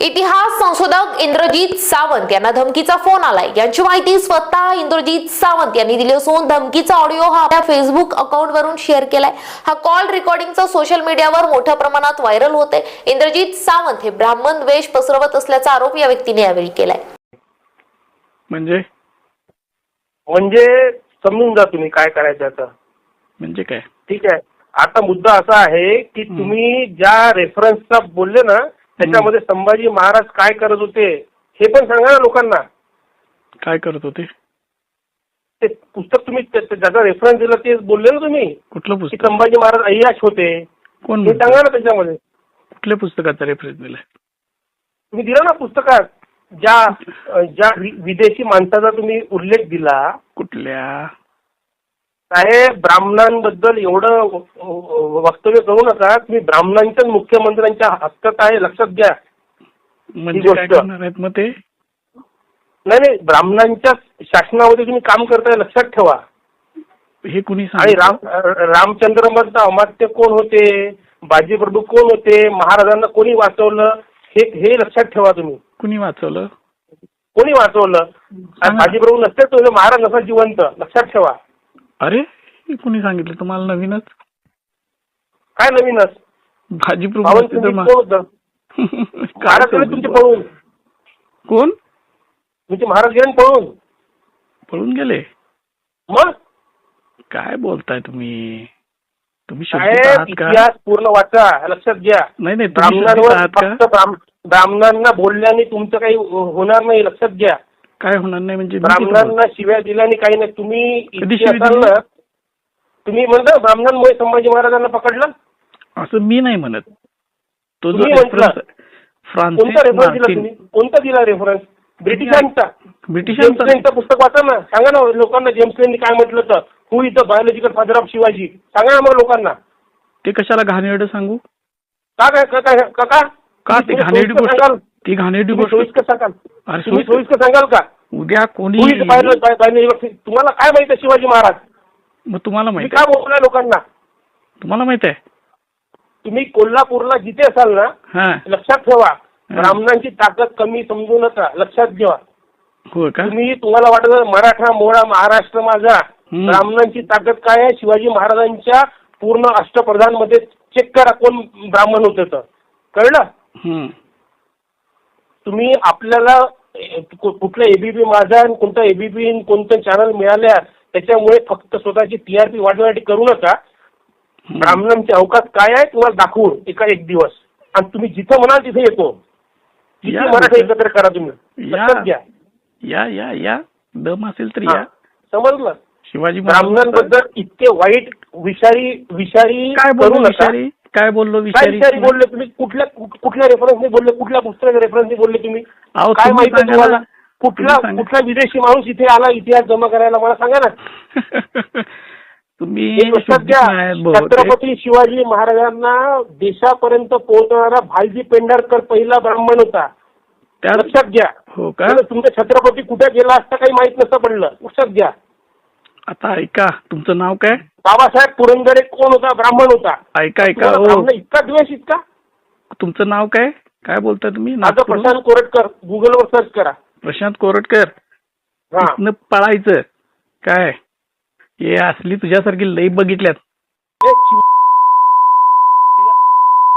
इतिहास संशोधक इंद्रजीत सावंत यांना धमकीचा फोन आलाय। यांची माहिती स्वतः इंद्रजीत सावंत यांनी दिली असून धमकीचा ऑडिओ हा आपल्या फेसबुक अकाउंट वरून शेअर केलाय। हा कॉल रेकॉर्डिंगचा सोशल मीडियावर मोठ्या प्रमाणात व्हायरल होते। इंद्रजीत सावंत हे ब्राह्मण द्वेष पसरवत असल्याचा आरोप या व्यक्तीने यावेळी केलाय। म्हणजे समजून जा तुम्ही काय करायचं आता। म्हणजे काय? ठीक आहे, आता मुद्दा असा आहे की तुम्ही ज्या रेफरन्सचा बोलले ना त्याच्यामध्ये संभाजी महाराज काय करत होते हे पण सांगा ना लोकांना। काय करत होते? ते पुस्तक तुम्ही ज्याचा रेफरन्स दिला ते बोलले ना तुम्ही। कुठलं की पुस्तक? संभाजी महाराज अय्याश होते कोण हे सांगा ना त्याच्यामध्ये। कुठल्या पुस्तकाचा रेफरन्स दिलाय? तुम्ही दिला ना पुस्तकात ज्या विदेशी माणसाचा तुम्ही उल्लेख दिला। कुठल्या? साहेब, ब्राह्मणांबद्दल एवढं वक्तव्य करू नका। तुम्ही ब्राह्मणांच्याच मुख्यमंत्र्यांच्या हक्कात आहे, लक्षात घ्या। म्हणजे काय करणार आहेत मग ते? नाही, ब्राह्मणांच्या शासनामध्ये तुम्ही काम करताय, लक्षात ठेवा। हे कुणी आणि सांगितलं? रामचंद्र मधलं अमात्य कोण होते, बाजीप्रभू कोण होते, महाराजांना कोणी वाचवलं हे लक्षात ठेवा तुम्ही। कुणी वाचवलं? कोणी वाचवलं? बाजीप्रभू नसते तो महाराज नसा जिवंत, लक्षात ठेवा। अरे, हे कुणी सांगितलं तुम्हाला? नवीनच? काय नवीनच? बाजीप्रभू महाराज गेले तुमचे पळून। कोण? तुमचे महाराज गेले पळून। पळून गेले? मग काय बोलताय तुम्ही? तुम्ही इतिहास पूर्ण वाचा, लक्षात घ्या। नाही, ब्राह्मणांना बोलल्याने तुमचं काही होणार नाही, लक्षात घ्या। काय होणार नाही म्हणजे? ब्राह्मणांना शिव्या दिल्याने काही नाही। तुम्ही असाल ना, तुम्ही म्हणता ब्राह्मणांमुळे संभाजी महाराजांना पकडलं असं मी नाही म्हणत। तो जो कोणता रेफरन्स दिला तुम्ही? रेफरन्स कोणता दिला रेफरन्स? ब्रिटिशांचा पुस्तक वाचा ना, सांगा ना लोकांना जेम्स लेननी काय म्हटलं तर who is the biological father of Shivaji, सांगा ना मग लोकांना। ते कशाला घाणेरडं सांगू? का ती घाणेरडी गोष्ट सोयीस्कर सांगाल? तुम्ही सोयीस्कर सांगाल का? उद्या कोणी तुम्हाला काय माहित आहे शिवाजी महाराज? मग तुम्हाला माहित काय बोललाय लोकांना? तुम्हाला माहित आहे? तुम्ही कोल्हापूरला जिथे असाल ना, लक्षात ठेवा, ब्राह्मणांची ताकद कमी समजू नका, लक्षात घ्या। हो का? तुम्हाला वाटत मराठा मोळा महाराष्ट्र माझा, ब्राह्मणांची ताकद काय आहे? शिवाजी महाराजांच्या पूर्ण अष्टप्रधान मध्ये चेक करा कोण ब्राह्मण होते तर कळलं। तुम्ही आपल्याला कुठलं एबीपी माझा कोणतं एबीपी कोणतं चॅनल मिळाल्या त्याच्यामुळे फक्त स्वतःची टीआरपी वाढवण्यासाठी करू नका। ब्राह्मणांचे अवकाश काय आहे तुम्हाला दाखवून एक दिवस, आणि तुम्ही जिथं म्हणाल तिथे येतो। किती मराठा एकत्र करा तुम्ही, लक्षात घ्या। या दम असेल तर या। समजलं? शिवाजी ब्राह्मणांबद्दल इतके वाईट विषारी काय बोललो? विषारी काय बोललो? विषारी बोलले तुम्ही? कुठल्या रेफरन्सने बोलले? कुठल्या पुस्तकाच्या रेफरन्सने बोलले तुम्ही? काय माहिती तुम्हाला? कुठला विदेशी माणूस इथे आला इतिहास जमा करायला, मला सांगा ना। तुम्ही लक्षात घ्या, छत्रपती शिवाजी महाराजांना देशापर्यंत पोहोचणारा भालजी पेंढारकर पहिला ब्राह्मण होता, लक्षात घ्या। हो का? तुमचा छत्रपती कुठे गेला असता काही माहित नसतं पडलं, लक्षात घ्या। आता ऐका, तुमचं नाव काय? बाबासाहेब पुरंदरे कोण होता? ब्राह्मण होता। ऐका इतका द्वेष इतका? तुमचं नाव काय? काय बोलताय तुम्ही? माझं प्रशांत कोरटकर, गुगलवर सर्च करा। प्रशांत कोरटकर? पळायचं काय? हे असली तुझ्यासारखी लई बघितल्यात।